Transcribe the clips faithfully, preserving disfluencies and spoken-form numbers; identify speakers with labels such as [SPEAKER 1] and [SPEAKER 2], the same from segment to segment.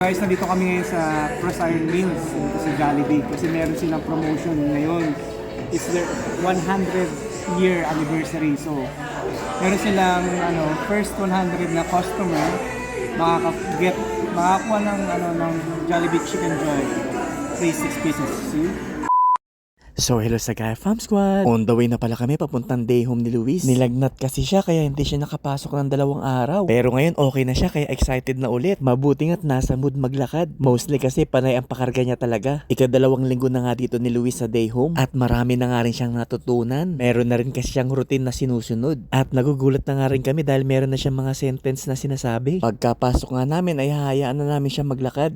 [SPEAKER 1] Guys, nandito kami ngayon sa Cross Iron Mills dito sa Jollibee kasi meron silang promotion ngayon. It's their one hundred year anniversary. So, meron silang ano, first one hundred na customer makaka-get makakuha ng ano ng Jollibee Chicken Joy. Free six pieces. See?
[SPEAKER 2] So hello sa Gaya Fam Squad! On the way na pala kami papuntang day home ni Luis. Nilagnat kasi siya kaya hindi siya nakapasok ng dalawang araw. Pero ngayon okay na siya kaya excited na ulit. Mabuti nga't nasa mood maglakad. Mostly kasi panay ang pakarga niya talaga. Ikadalawang linggo na nga dito ni Luis sa day home. At marami na nga rin siyang natutunan. Meron na rin kasi siyang routine na sinusunod. At nagugulat na nga rin kami dahil meron na siyang mga sentence na sinasabi. Pagkapasok nga namin ay hahayaan na namin siya maglakad.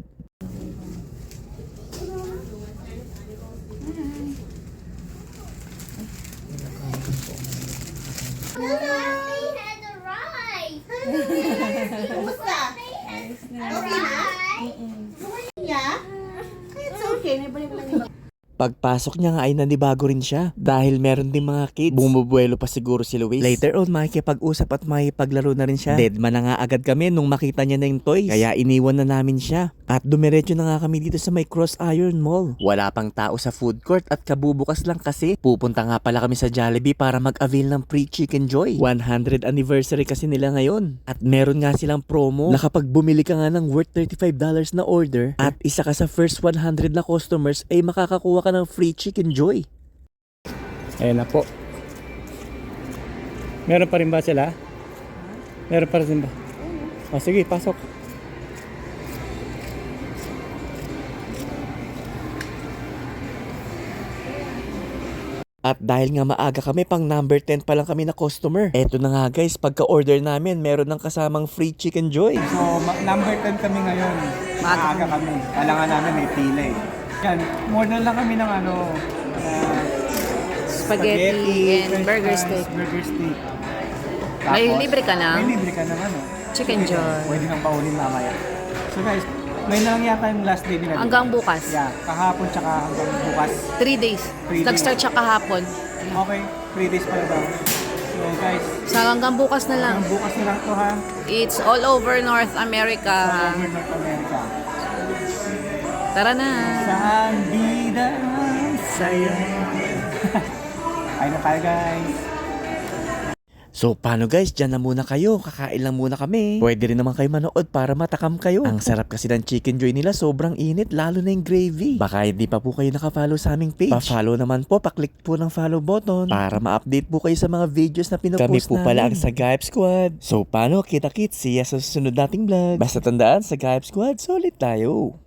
[SPEAKER 3] Kumusta? Okay na? Yeah? It's okay. Nabalik lang yung
[SPEAKER 2] Pagpasok niya nga ay nanibago rin siya dahil meron din mga kids. Bumubuelo pa siguro si Luis. Later on makikipag-usap at makipaglaro na rin siya. Deadman na nga agad kami nung makita niya na yung toys. Kaya iniwan na namin siya. At dumiretso na nga kami dito sa may Cross Iron Mall. Wala pang tao sa food court at kabubukas lang kasi. Pupunta nga pala kami sa Jollibee para mag-avail ng free Chicken Joy. one hundred anniversary kasi nila ngayon. At meron nga silang promo na kapag bumili ka nga ng worth thirty-five dollars na order at isa ka sa first one hundred na customers ay makakakuha ka ng free Chicken Joy.
[SPEAKER 1] Ayan na po. Meron pa rin ba sila? Meron pa rin ba? O sige, pasok.
[SPEAKER 2] At dahil nga maaga kami, pang number ten pa lang kami na customer. Eto na nga guys, pagka-order namin, meron ng kasamang free Chicken Joy.
[SPEAKER 1] So, ma- number ten kami ngayon. Maaga kami. Kailangan namin may pila eh. Yan, order lang kami ng ano, uh,
[SPEAKER 4] Spaghetti and
[SPEAKER 1] french
[SPEAKER 4] burger
[SPEAKER 1] fries,
[SPEAKER 4] steak.
[SPEAKER 1] burger steak.
[SPEAKER 4] May libre ka na?
[SPEAKER 1] May libre ka na ano.
[SPEAKER 4] Chicken Joy.
[SPEAKER 1] Pwede kang paunin mamaya. So guys, may na lang yata yung last day nila.
[SPEAKER 4] Hanggang bukas.
[SPEAKER 1] Yeah, kahapon tsaka hanggang bukas.
[SPEAKER 4] Three days.
[SPEAKER 1] Three days.
[SPEAKER 4] Nag-start siya kahapon.
[SPEAKER 1] Okay, three days pala daw. So guys,
[SPEAKER 4] So hanggang bukas na lang.
[SPEAKER 1] hanggang bukas na lang to ha.
[SPEAKER 4] It's all over North
[SPEAKER 1] Sa
[SPEAKER 4] America.
[SPEAKER 1] over North America.
[SPEAKER 4] Tara na.
[SPEAKER 1] Saan bida sa'yo? Ayun na tayo guys.
[SPEAKER 2] So paano guys, dyan na muna kayo, kakain lang muna kami. Pwede rin naman kayo manood para matakam kayo. Ang sarap kasi ng Chicken Joy nila, sobrang init, lalo na yung gravy. Baka hindi pa po kayo nakafollow sa aming page. Pa-follow naman po, paklik po ng follow button para ma-update po kayo sa mga videos na pinupost namin. Kami po pala ang sa Gayap Squad. So paano, kita-kits, siya sa susunod nating vlog. Basta tandaan, sa Gayap Squad, solid tayo.